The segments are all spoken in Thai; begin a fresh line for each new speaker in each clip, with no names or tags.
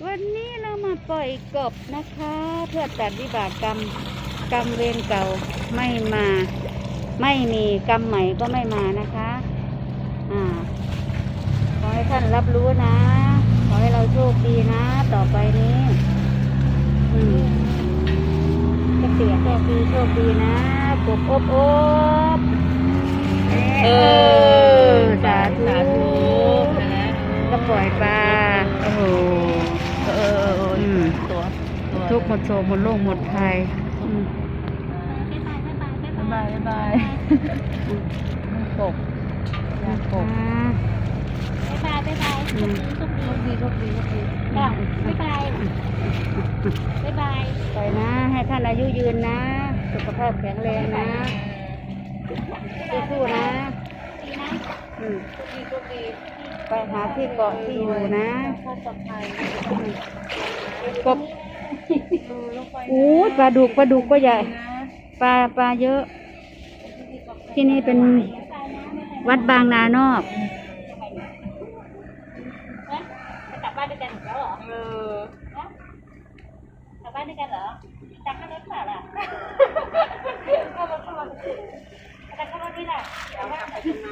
วันนี้เรามาปล่อยกบนะคะ เพื่อตัดวิบากกรรมเวรเก่าไม่มา ไม่มีกรรมใหม่ก็ไม่มานะคะขอให้ท่านรับรู้นะ ขอให้เราโชคดีนะ ต่อไปนี้ก็เสียโชคดีนะกบอบสาธุก็ปล่อยปลาโอ้โห
ตัว
ทุกหมดโศกหมดโรคหมดภัย
บายกบยากบ
บายโชคดีบาย
ปล่อยนะให้ท่านอายุยืนนะสุขภาพแข็งแรงนะสู้ๆนะไปหาที่เกาะที่อยู่นะกบปลาดุกก็ใหญ่ปลาเยอะที่นี่เป็นวัดบางนานอก
กลับบ้านด้วยกันแล้วเหรอกลับบ้านด้วยกันเหรอจักรรถเปล่าล่ะเข้ารถนี่แหละแล้วว่าไปทำไม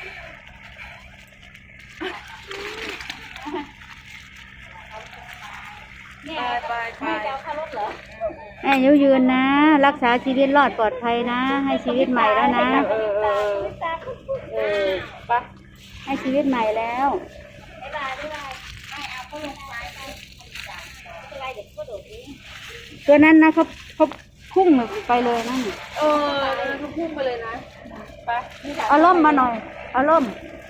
เนี่ยไม่จะเอาเข้ารถเหรอ
ให้อายุยืนนะรักษาชีวิตรอดปลอดภัยนะให้ชีวิตใหม่แล้วนะไปให้ชีวิตใหม่แล้ว
บ๊ายบายไม่เอาเขาลงไปไม่เป็นไรเด็กก็โดดนี้
ตัวนั้นนะเขาพุ่งไปเลยนั่น
เขาพุ่งไปเลยนะไป
เอาล่มมาหน่อยเอาล่ม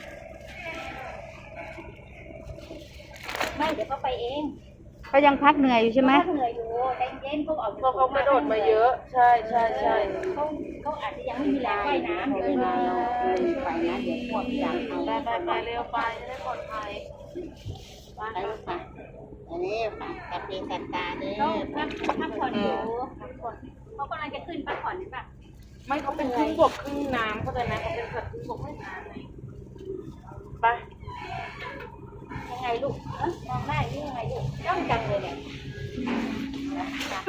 ไม่เดี๋ยวเขาไปเอง
เขายังพักเหนื่อยอยู่ใช่ไหม
เหนื่อยอยู่ใจเย็นเขา
กระโดดมาเยอะใช่
เขาอาจจะยังไม่มีแรงว่ายน้ำเดี๋ยวไปนะเดี๋ยวพวกอยากเอา
ไปเร็วไปจะได้ปลอดภัย
ไปอันนี้ตัดเป็นตัดตาเนี่ยพักผ่อนอยู่เขากำลังจะขึ้นพักผ่อนนี่ป่ะ
ไม่เขาเป็นครึ่งบกครึ่งน้ำเขาจะนะเขาเป็นสัตว์ครึ่งบกครึ่งน้ำไงไป
ยังไงลูกมองได้นี่ยังไงลูกจ้องจังเลยเนี่ยนะตัด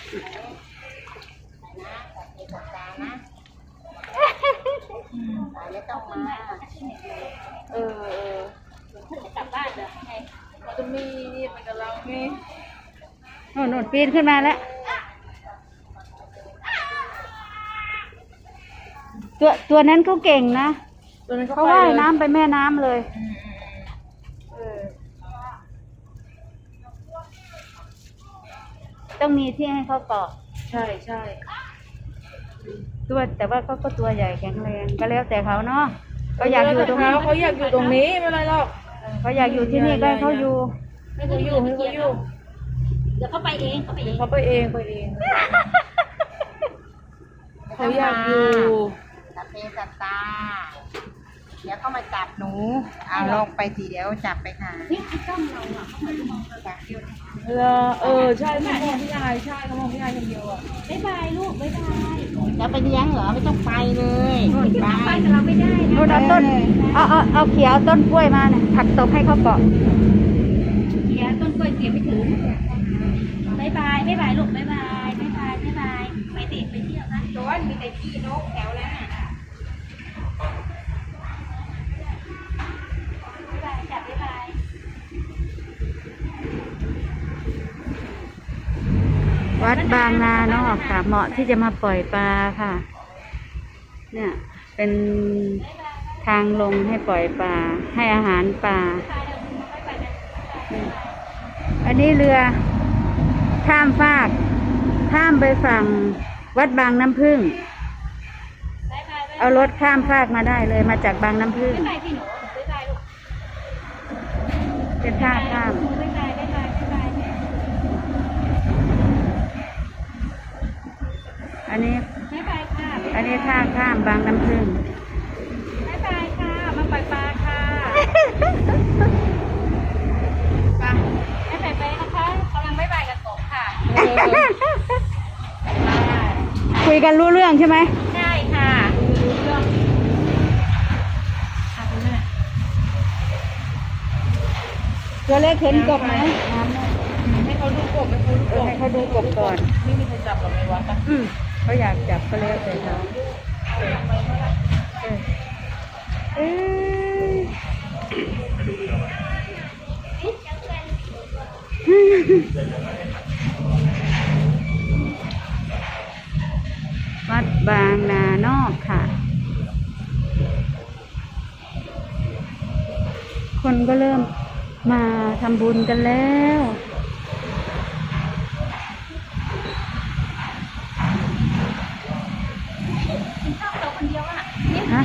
เป็นตัดตานะไม่ต้องมาจะกลับบ้านเหรอไง
จะมีนี่ไปกับเรานี่
โน่นปีนขึ้นมาแล้วตัวนั้นเขาเก่งนะเขาว่ายน้ำไปแม่น้ำเลยต้องมีที่ให้เขาเกาะ
ใช่
แต่ว่าเขาก็ตัวใหญ่แข็งแรงก็แล้วแต่เขาเนาะเขาอยากอยู่ตรงนี้
เขาอยากอยู่ตรงนี้ไม่เป็นไรหรอก
เขาอยากอยู่ที่นี่ก็ให้เขาอยู่
ให้เขาอยู่
เดี๋ยวเขาไปเองเขาไปเอง
เขาอยากอยู่
ตัดเป็นตัดตาเดี๋ยวเขามาจับหนูลงไปทีเดียวจับไปค่ะนี่คือจ้องเราอ่ะเขาเหมือนมองเราจับเดียว
ใช่เขามองพี่ยายใช่เขามองพี่ยายคนเดียวอ่ะ
บ๊ายบายลูกบ๊ายบายจะไปเลี้ยงเหรอไม่ต้องไปเลยไปแต่เราไม่ได้
นู่นเอาต้นเอาเขียวต้นกล้วยมาเนี่ยผักตบให้เขาเกาะ
เขียวต้นกล้วยเสียไม่ถึงบ๊ายบายลูกบ๊ายบายไปเตะไปเที่ยวนะโดนมีแต่ที่นกแถวแล้ว
วัดบางนานอกค่ะเหมาะที่จะมาปล่อยปลาค่ะเนี่ยเป็นทางลงให้ปล่อยปลาให้อาหารปลาอันนี้เรือข้ามฟากข้ามไปฝั่งวัดบางน้ำผึ้งเอารถข้ามฟากมาได้เลยมาจากบางน้ำผึ้งเป็นท่าข้ามอันนี้ท่าข้ามบางน้ำผึ้ง
บ๊ายบายค่ะมาปล่อยปลาค่ะไปนะคะกำลังบ๊ายบายกับกบค่ะ
คุยกันรู้เรื่องใช่ไหม
ใช่ค่ะรู้เรื่อง
ตัวเล็กเห็นกบไหม
เขาดูกบให้เขาดูกบ
ให้เขาดูกบก่อน
ไม่มีใครจับหรอกในวัดอะ
เขาอยากจับก็แล้วแต่เขาเอ้วัดบางนานอกค่ะ คนก็เริ่มมาทำบุญกันแล้ว
กินข้าวเราคนเดียวอ่ะ
ฮะ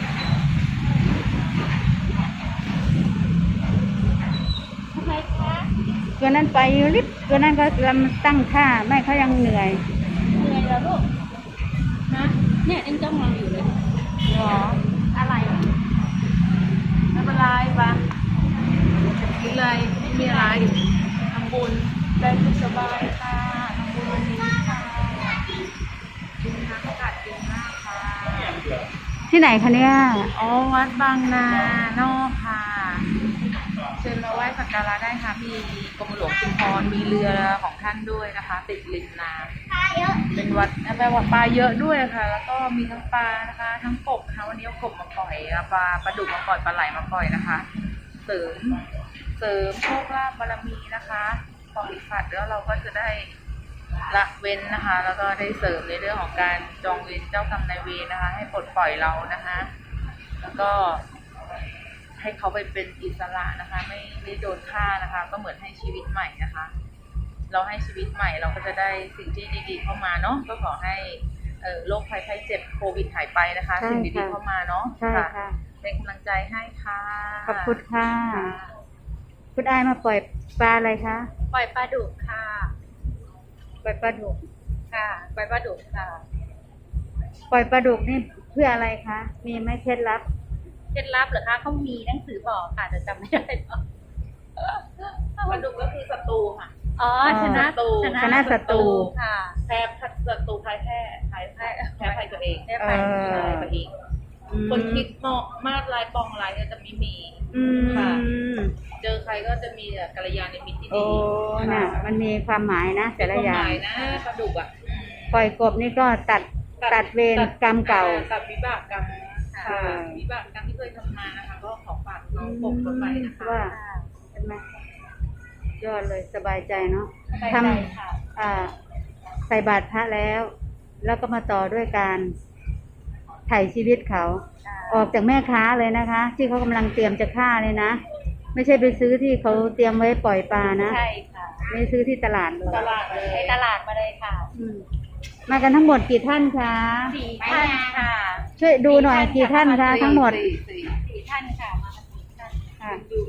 ทำไมคะ
ตัวนั้นไปลิบตัวนั้นก็กำลังตั้งท่าแม่เขายังเหนื่อย
เหนื่อยแล้วลูกฮะเนี่ยยังจ้องเราอยู่เลย
หรอ
อะไร
ไม่เป็นไรปะกินเลยไม่มีอะไรทำบุญได้สุขสบายค่ะทำบุญวันนี้ค่ะกินน้ำอากาศดีมากค่ะ
ที่ไหนคะเนี่ย
อ๋อวัดบางนานอกค่ะเชิญมาไหว้สักการะได้ค่ะมีกรมหลวงชุมพรมีเรือของท่านด้วยนะคะ ติดริมน้ำ
ปลาเยอะ
เป็นวัดแปลว่าปลาเยอะด้วยค่ะ แล้วก็มีทั้งปลานะคะ ทั้งกบนะคะวันนี้เอากบมาปล่อยเอาปลาดุกมาปล่อยปลาไหลมาปล่อยนะคะ เสริมโชคลาภบารมีนะคะของอิฝัดแล้วเราก็จะได้ละเว้นนะคะ แล้วก็ได้เสริมในเรื่องของการจองเวรเจ้ากรรมนายเวรนะคะ ให้ปลดปล่อยเรานะคะ แล้วก็ให้เขาไปเป็นอิสระนะคะ ไม่โดนฆ่านะคะ ก็เหมือนให้ชีวิตใหม่นะคะ เราให้ชีวิตใหม่เราก็จะได้สิ่งที่ดีๆเข้ามาเนาะก็ขอให้โรคภัยไข้เจ็บโควิดหายไปนะคะ
ใช่
สิ่งดี
ค่ะ
ๆเข้ามาเนาะ
ใช่ค่ะ
เป็นกำลังใจให้ค่ะ
ขอบคุณค่ะ คุณอายมาปล่อยปลาอะไรคะ
ปล่อยปลาดุกค่ะ
ปล่อยปลาดุก
ค่ะปล่อยปลาดุกค่ะ
ปล่อยปลาดุกนี่เพื่ออะไรคะ มีไหมเคล็ดลับ
เคล็ดลับเหรอคะเขามีหนังสือบอกค่ะแต่จำไม่ได้หรอก
ปลาดุกก็คือศัตรูค่ะ
อ๋อชนะ
ชนะศัตรู
ค่ะ
แพ้ศัตรูแพ้ภัยตัวเอง
ได้ไป
ใช่ตัวเองคนคิดเหมาะมาดลายปองลายก็จะไม่มี ค่ะ เจอใครก็จะมีแต่กัลยาณมิตรที่
โอ้
ดี
น่ะ มันมีความหมายนะแต่ละอย่าง
ความหมายนะปลาดุกอ่ะ
ปล่อยกบนี่ก็ตัดเวรกรรมเก่า
ตัดวิบากกรรม
ค่ะ
วิบากกรรมที่เคยทำมานะคะ ก็ขอฝากน้องกบไปนะคะ
ว่าใช่ไหมยอดเลยสบายใจเนาะ
สบาย
ท
ใจค่ะ
ำใส่บาตรพระแล้ว แล้วก็มาต่อด้วยการไถ่ชีวิตเขา ออกจากแม่ค้าเลยนะคะ ที่เขากำลังเตรียมจะฆ่าเลยนะ ไม่ใช่ไปซื้อที่เขาเตรียมไว้ปล่อยปลานะ
ใช่ค่ะ
ไม่ซื้อที่ตลาดเลย
ตลาดเลย
ในตลาดมาเลยค่ะ
อืมมากันทั้งหมดกี่ท่านคะ
4 ท่านค่ะ
ช่วยดูหน่อยกี่ท่านคะทั้งหมด
4 ท่านค่ะมากัน4 ท่าน
ค่ะ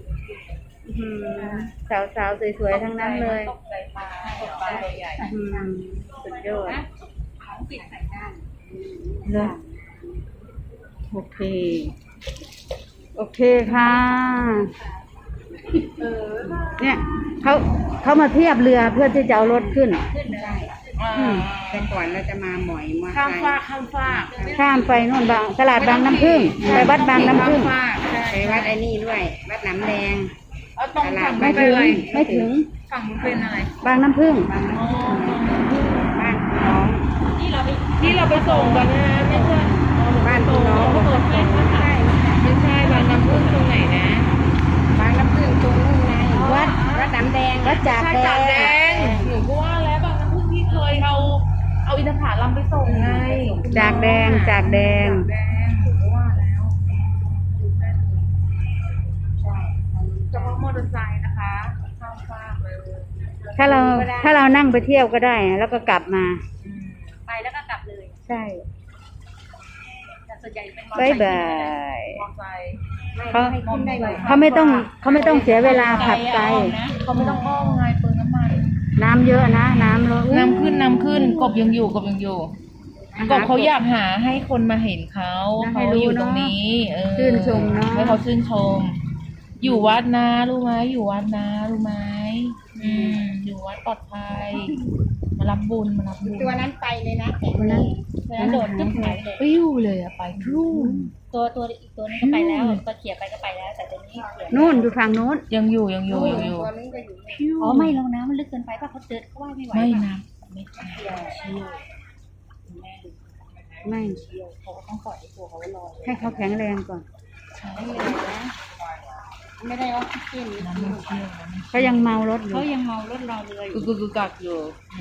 สาวๆสวยๆทั้งนั้นเลย
ตกใจปลาตัวใหญ่
อืมสุดยอด
ของปิดใส่ด้าน
เลยโอเค โอเคค่ะ เนี่ยเขามาเทียบเรือเพื่อที่จะเอารถขึ้น
ขึ้นได้
แต่ก่อนเราจะมาหมอยมา
ข้าม
ไกล
ฟากข้ามฟาก
ข้ามไปนู่นบางตลาดบางน้ำผึ้งไปวัดบางน้ำผึ้ง
ข้ามฟากใช่
ไปวัดไอ้นี่ด้วย วัดหน้ำแดง
เอาตรงฝั่ง
ไม่
ไม่
ถึ
เป็น
ง
ไร
ไม่ถึง
ฝั่งมันเป็นอะไร
บางน้ำผึ้ง
บ้านน้อง
นี่เราไป
ที่เราไปส่งกันนะไม่ใช่
บ้านพี่น้อง
เขาบอกไม่ใช่ไม่ใช่บางน้ำพึ่งตรงไหนนะ
บางน้ำพึ่งตรงนู้นไง
วัด
วัดน้ำแดง
วัดจาก
ใช่
แด
จากแด
ง
งหนูก็ว่าแล้วบางน้ำพึ่งที่เคยเอาอินทผลัมไปส่งไง
จากแดงจากแดง
จากแดงหนูก็ว่าแล้วเฉพาะมอเตอร์ไซค์นะคะข้ามฟากเลย
ถ้าเรานั่งไปเที่ยวก็ได้ แล้วก็กลับมา
ไปแล้วก็กลับเลย
ใช่
แต่ส่วนใหญ่เป็น
บายบาย
มอเตอร์ไซค์
เขา
ให้ขึ้นได้บ่อย
เขาไม่ต้องเสียเวลาขับไกล
เขาไม่ต้องอ้อมไงเปลืองน้ำมัน
น้ำเยอะนะน้ำลด
น้ำขึ้นกบยังอยู่กบเขาอยากหาให้คนมาเห็นเขาอยู่ตรงนี้
ชื่นชมเนาะ
ให้เขาชื่นชม อยู่วัดนะรู้ไหมอยู่วัดนะรู้ไหมอยู่ไว้ปลอดภัย มารับบุญ
ตัวนั้นไปเลยนะแข็ง
คนนั้น
ตัวนั้นโดดขึ้นหายไปเลย
ปิ้วเลยอะไปครู่
ตัวอีกตัวนึงก็ไปแล้วก็เขี่ยไปก็ไปแล้ว แต่ตัวนี้เขี่ย
นู่นอยู่ฝั่งนู้น
ยังอยู่
ตัวนึงก็อยู่นี่
อ๋อไม่แล้วน้ำมันลึกเกินไปป่ะเขาเดินเขาว่ายไม่ไหว
ไม่
ป่ะ
นะไม่เชี่ยวเชี่ยว
ไม่
เชี่ยวเขาก็ต้องปล่อยให้ตัวเขาลอย
ให้เขาแข็งแรงก่อน
ไม่ได้ออกซิเจน
น้ำมันเชี่ยวน้ำมัน
เขายังเมารถอยู่
เขายังเมารถรอเรืออยู่
กึกกักอยู่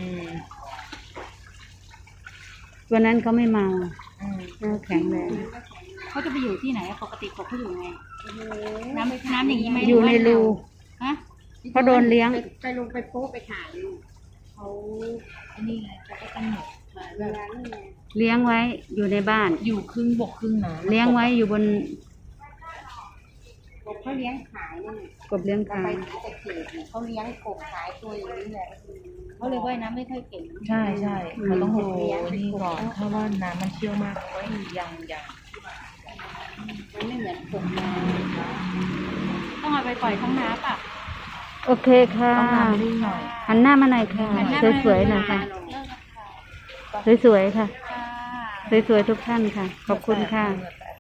ตัวนั้นเขาไม่เมา
อืม
เขาแข็งแรง
เขาจะไปอยู่ที่ไหนอะปกติกบเขาอยู่ไงน้ำอย่างนี้ไหม
อยู่ในรู
ฮะ
เขาโดนเลี้ยง
ไปลงไปโป๊ะไปถ่ายอยู่
เขาอันนี้ไงเขาก็กำหนดมา
เวลานี่ไง
เลี้ยงไว้อยู่ในบ้าน
อยู่ครึ่งบกครึ่งน้ำ
เลี้ยงไว้อยู่บน
กบเขาเลี้ยงขายนี่น
กบเลี้ยง
เรา
คา
ไปที่ตะเกียบเนี่ยเขาเลี้ยงกบขายตัวอย่างนี้แหละ
เขาเลยว่ายน้ำไม่ค่อยเก่ง
ใช่เขาต้องดูนี่ก่อนถ้าว่าน้ำมันเชี่ยวมากก็ยัง
มันไม่เหมือนกบนา
ต้องเอาไปปล่อยท้องน้ำป่ะ
โอเคค่ะ
ต้องน้ำนิ่งหน่อย
หันหน้ามาหน่อยค่ะ
หันหน้า
สวยๆหน่อยค่ะ
เลิกแล้วค่ะ
สวยๆค่ะ
ค่ะ
สวยๆทุกท่านค่ะ ขอบคุณค่ะ
เหงื่อแต